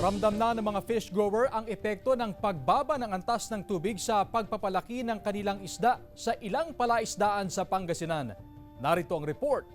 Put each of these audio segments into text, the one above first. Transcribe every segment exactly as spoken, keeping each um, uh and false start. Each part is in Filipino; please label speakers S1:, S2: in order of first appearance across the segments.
S1: Ramdam na ng mga fish grower ang epekto ng pagbaba ng antas ng tubig sa pagpapalaki ng kanilang isda sa ilang palaisdaan sa Pangasinan. Narito ang report.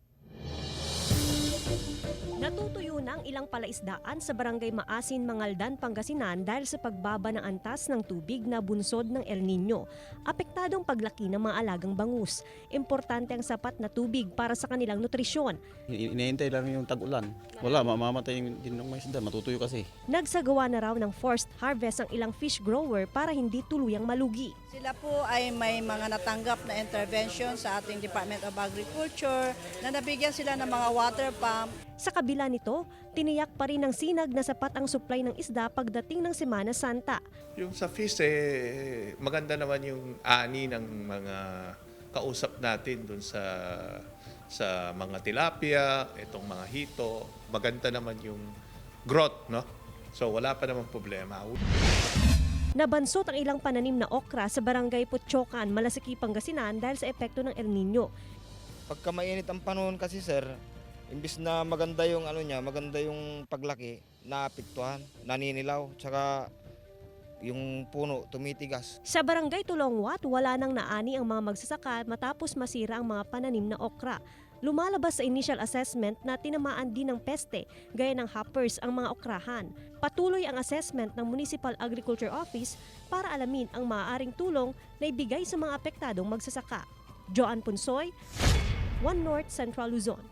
S2: Natutuyo na ang ilang palaisdaan sa barangay Maasin, Mangaldan, Pangasinan dahil sa pagbaba ng antas ng tubig na bunsod ng El Nino. Apektadong paglaki ng mga alagang bangus. Importante ang sapat na tubig para sa kanilang nutrisyon.
S3: Inihintay lang yung tag-ulan. Wala, mamamatay din ng mga isda, matutuyo kasi.
S2: Nagsagawa na raw ng forced harvest ang ilang fish grower para hindi tuluyang malugi.
S4: Sila po ay may mga natanggap na intervention sa ating Department of Agriculture na nabigyan sila ng mga water pump.
S2: Sa kabila nito, tiniyak pa rin ng sinag na sapat ang supply ng isda pagdating ng Semana Santa.
S5: Yung sa fish, eh, maganda naman yung ani ng mga kausap natin dun sa sa mga tilapia, itong mga hito. Maganda naman yung growth, no? So wala pa namang problema.
S2: Nabansot ang ilang pananim na okra sa barangay Putchokan, Malasiki, Pangasinan dahil sa epekto ng El Nino.
S6: Pagka mainit ang panahon kasi sir, imbis na maganda yung ano niya, maganda yung paglaki, naapektuhan, naninilaw, tsaka yung puno tumitigas.
S2: Sa barangay Tulongwat, wala nang naani ang mga magsasaka matapos masira ang mga pananim na okra. Lumalabas sa initial assessment na tinamaan din ng peste, gaya ng hoppers ang mga okrahan. Patuloy ang assessment ng Municipal Agriculture Office para alamin ang maaaring tulong na ibigay sa mga apektadong magsasaka. Joan Punsoy, One North Central Luzon.